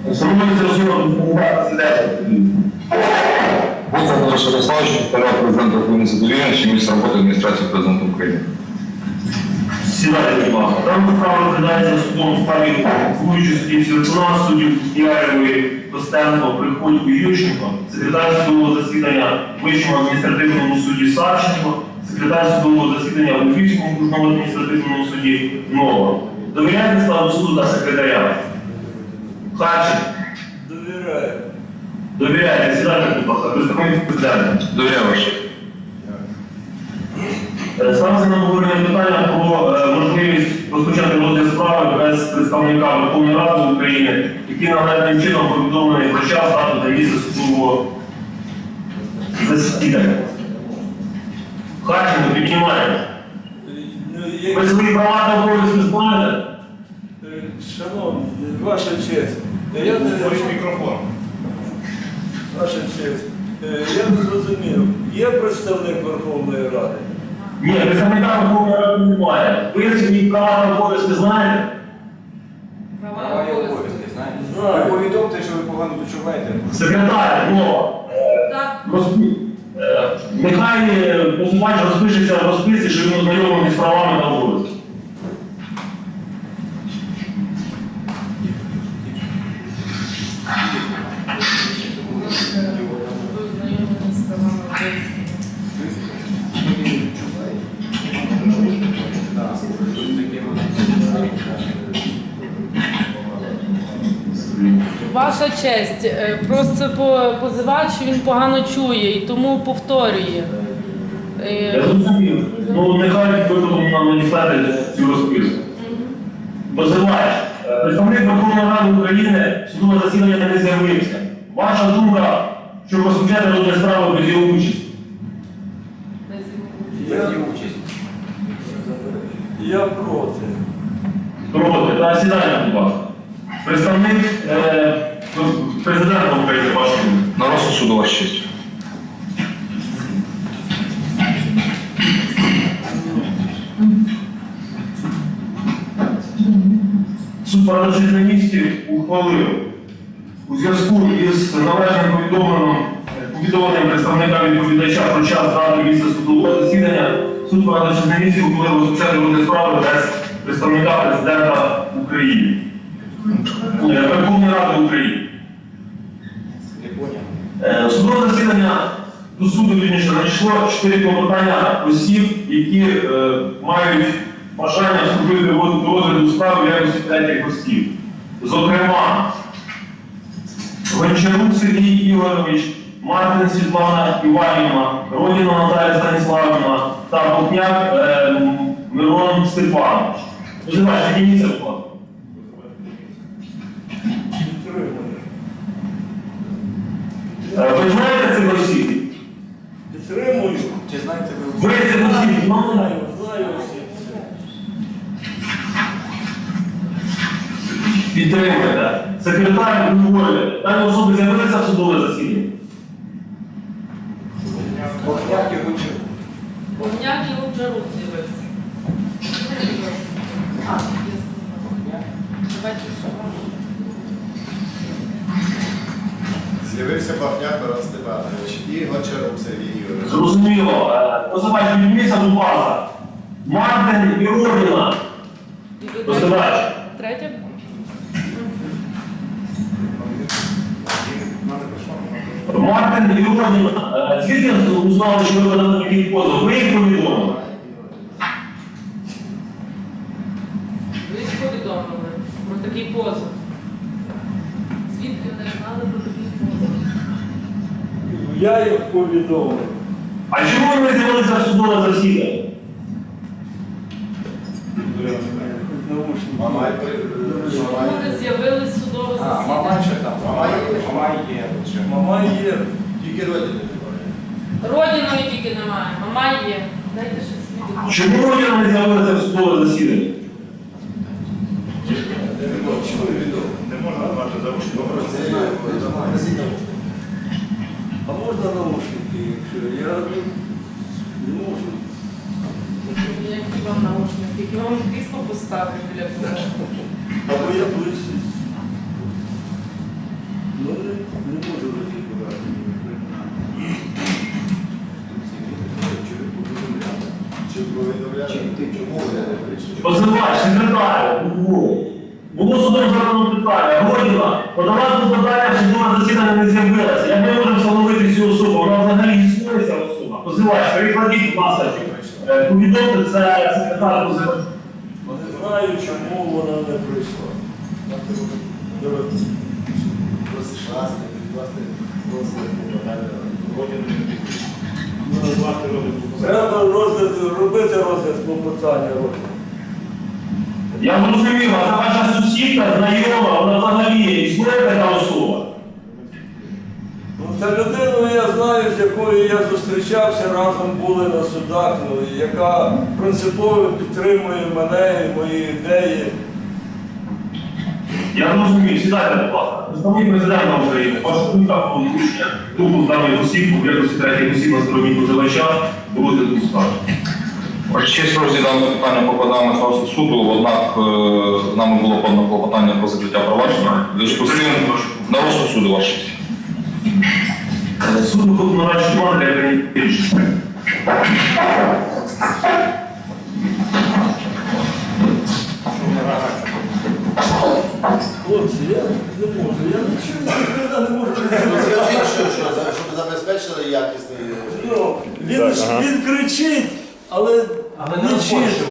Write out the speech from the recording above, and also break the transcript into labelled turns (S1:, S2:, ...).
S1: Становиться розумно сидячи.
S2: Володимир Ярославович, поряд президента України задовільний, міністр роботи адміністрації президента України.
S1: Сідайте, будь ласка. Дана справа розглядається судом в справі головуючої судді Святуна, суддів Кіаєвої, Костенко, Приходько і Ющенко, секретар судового засідання в Вищому адміністративному суді Савченко, секретар судового засідання в Львівському окружному адміністративному суді Нова. Довіряєте складу суду та секретаря? Харченко?
S3: Довіряю.
S1: Довіряєте. Сідайте, будь ласка. Представник президента.
S2: Довіряю ваше.
S1: Ставиться на обговорення питання про можливість розпочати розгляд справи без представника Верховної Ради України, який належним чином повідомлений про час, дату та місце судового засідання. Харченко, піднімаємо. Ви свої права та обов'язки знаєте?
S3: Шановні, ваша честь, я не...
S1: Мікрофон.
S3: Ваша честь, я не зрозумів, є представник Верховної Ради?
S1: Ні, представника Верховної Ради немає. Ви свої права та обов'язки знаєте?
S4: Права і обов'язки, знаєте?
S3: Знаю.
S4: Ви повідомте, що ви погано почуваєте.
S1: Секретар,
S4: Так.
S1: Нехай позивач розпишеться в розписці, що він ознайомлений з правами та обов'язками.
S5: Ваша честь, просто позивач, він погано чує і тому повторює.
S1: Я зрозумів. Ну, нехай випадом нам надіслати цю розписку. Позивач, представник Верховної Ради України судове засідання не з'явився. Ваша думка, щоб розпочати розгляд справи без його участі?
S3: Я проти.
S1: Проти. Та сідайте, будь ласка. Представник президента України, ваша думка.
S2: На розсуд суду, ваша честь.
S1: Суд парадоксів на місці ухвалив у зв'язку із належним повідомленням представника відповідача про час, дату, місце судового засідання. Суд парадоксів на місці ухвалив розпочати розгляд справи без представника президента України. Верховної Ради України. Судове засідання до суду надійшло 4 клопотання осіб, які мають бажання вступити до розгляду справи в якості третіх осіб. Зокрема, Гончарук Сергій Ігорович, Мартин Світлана Іванівна, Родіна Наталія Станіславівна та Бухняк Мирон Степанович. Позивач, підніміться, будь ласка. Ви знаєте цих осіб?
S3: Підтримую.
S4: Чи знаєте ви?
S1: Ви цих осіб знаєте?
S3: Знаю всі.
S1: Підтримуєте. Секретар говорить, дані особи з'явилися в судове засідання?
S4: Богняк і Гончарук.
S5: Повняк і Гончарук з'явився. Давайте
S6: З'явився Бахняк Мирон Степанович і Гончарук Сергій Ігорович.
S1: Зрозуміло. Позивач, підніміться, будь ласка. Мартин і Родіна. Позивач.
S5: Третє?
S1: Мартин і Родіна. Звідки узнали, що ви подали такий позов? Ви їх повідомили?
S5: Ви їх повідомили про такий позов. Звідки вони знали про такий позов?
S3: Я їх повідомив.
S1: А чому ви з'явилися в судове засідання?
S6: Мамай
S5: Чому вони з'явились в судове
S4: А, мама
S5: засідання?
S4: ще там. Мама є. Ще.
S3: Мама є.
S6: тільки родини.
S5: Родіної тільки немає, мама є. Дайте ще свідок.
S1: Чому Родіна не з'явилася в судове засідання?
S6: Не можна мати заручників.
S3: А можна наушники, якщо я не можу.
S5: Які вам наушники? Які вам крісло поставити біля кого?
S3: Або я ближче.
S6: Чому ви не прийшли?
S1: Позивач, секретар, було судом задано питання, Годіна, подавати подання, що судове засідання не з'явилося. Як ми можемо встановити цю особу? Вона взагалі існує ця особа. Позивач, перекладіть, будь ласка, повідомте, це секретар позивач.
S3: Не знаю, чому вона не прийшла. Треба робити розгляд клопотання.
S1: Я зрозумів, а це ваша сусідка, знайома, вона взагалі існує така особа.
S3: Ну, та людину я знаю, з якою я зустрічався, разом були на судах, ну, яка принципово підтримує мене і мої ідеї.
S1: Я зрозумів, сідайте, будь ласка. Представник президента України, ваша думка про порушення групу даних осіб, у якості третіх осіб на стороні позивача, було тут скажено.
S2: Ваша честь, розглядане питання покладаємо на розгляд суду, однак нами було подано клопотання про закриття провадження. В зв'язку з цим на розсуд суду, ваша честь.
S1: Суд виходить на радшу команду для прийняття рішення.
S3: Хлопці, я не можу, я нічого не можу.
S6: Скажіть, щоб забезпечили якісний...
S3: Ну, він кричить, але не чує.